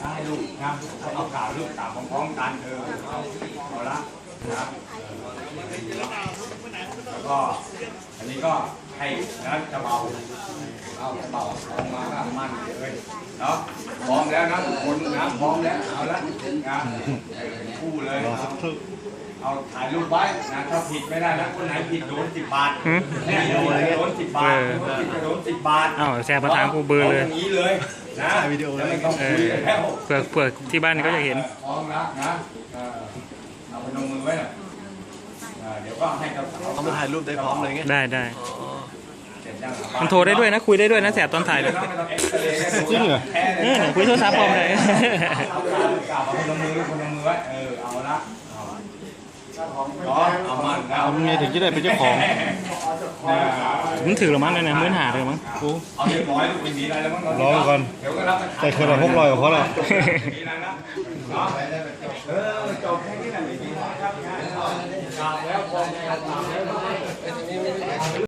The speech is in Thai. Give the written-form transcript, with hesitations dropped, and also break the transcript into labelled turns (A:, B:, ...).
A: ได้ลูกนะเอาข่าวลูกตามพร้อมๆกันเอาละนะแล้วก็อันนี้ก็ให้นะจะเบาเอาจะเบาออกมาก็มั่นเลยเนาะพร้อมแล้วนะทุกคนนะพร้อมแล้วเอาละนะคู่เลยเอาถ่ายรูปไว้นะถ้าผิดไม่ได้นะคนไหนผิดโดน10 บาทเนี่ยโดน10 บาทผิดโดน10 บาท
B: อ้าวแชร์ประธานกูเบอร์เลย
A: อย่างนี้เลยนะวิดีโอเลยไม่ต้องคุยแล้ว
B: เผื่อที่บ้านก็จะเห็น
A: พร้อมแล้วนะเอาพนมมือไว้หน่อยเดี๋ยวก็ให้เขา
C: มาถ่ายรูปได้พร้อมเลยไง
B: ได้มันโทรได้ด้วยนะคุยได้ด้วยนะแสบตอนถ่ายเลย
C: จริงเหรอ
B: คุยโทรศัพท์พร้อมเลย
A: กล่าวพนมมือไว้เอาละเอามัน
C: เอาเมียถึงจะได้เป็นเจ้าของ
B: มันถือหรือมั้งเนี่ยมื้อหาเลยมั้งกู
A: เอาเรียบร้อยลูกเป็นดีอะไรแล้วมั้ง
C: ร้อยก่อนแต่เคยเรา600กับเขาแหละ
A: จบแค่นี้แหละดีครับแล้ว